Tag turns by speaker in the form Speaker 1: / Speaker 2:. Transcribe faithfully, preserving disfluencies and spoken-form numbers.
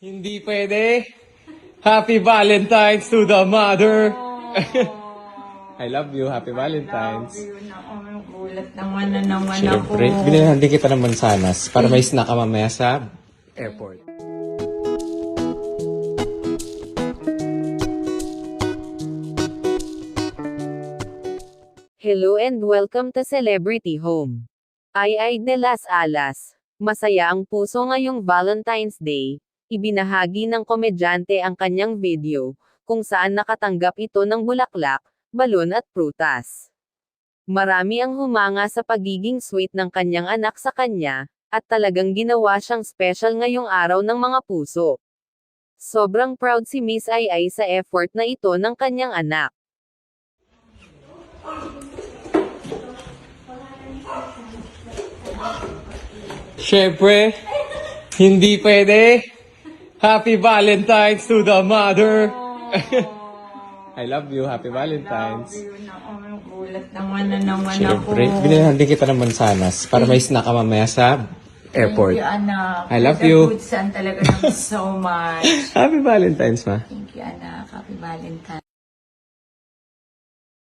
Speaker 1: Hindi pwede. Happy Valentine's to the mother. I love you. Happy Valentine's.
Speaker 2: Yun ako, gulat naman na naman ako.
Speaker 1: Siyempre, binilhan din kita ng mansanas para may snack ka mamaya sa airport.
Speaker 3: Hello and welcome to Celebrity Home. Ay ay de las alas. Masaya ang puso ngayong Valentine's Day. Ibinahagi ng komedyante ang kanyang video, kung saan nakatanggap ito ng bulaklak, balon at prutas. Marami ang humanga sa pagiging sweet ng kanyang anak sa kanya, at talagang ginawa siyang special ngayong araw ng mga puso. Sobrang proud si Miss Ay Ay sa effort na ito ng kanyang anak.
Speaker 1: Siyempre, hindi pwede. Happy Valentine's to the mother. I love you. Happy Valentine's.
Speaker 2: Yun ako, gulat naman na naman
Speaker 1: Siyempre,
Speaker 2: ako.
Speaker 1: binilhan din kita ng mansanas para may snack ka mamaya sa airport.
Speaker 2: Thank you, anak.
Speaker 1: I love
Speaker 2: The
Speaker 1: you.
Speaker 2: good son talaga naman so much.
Speaker 1: Happy Valentine's, ma.
Speaker 2: Thank you, anak. Happy Valentine's.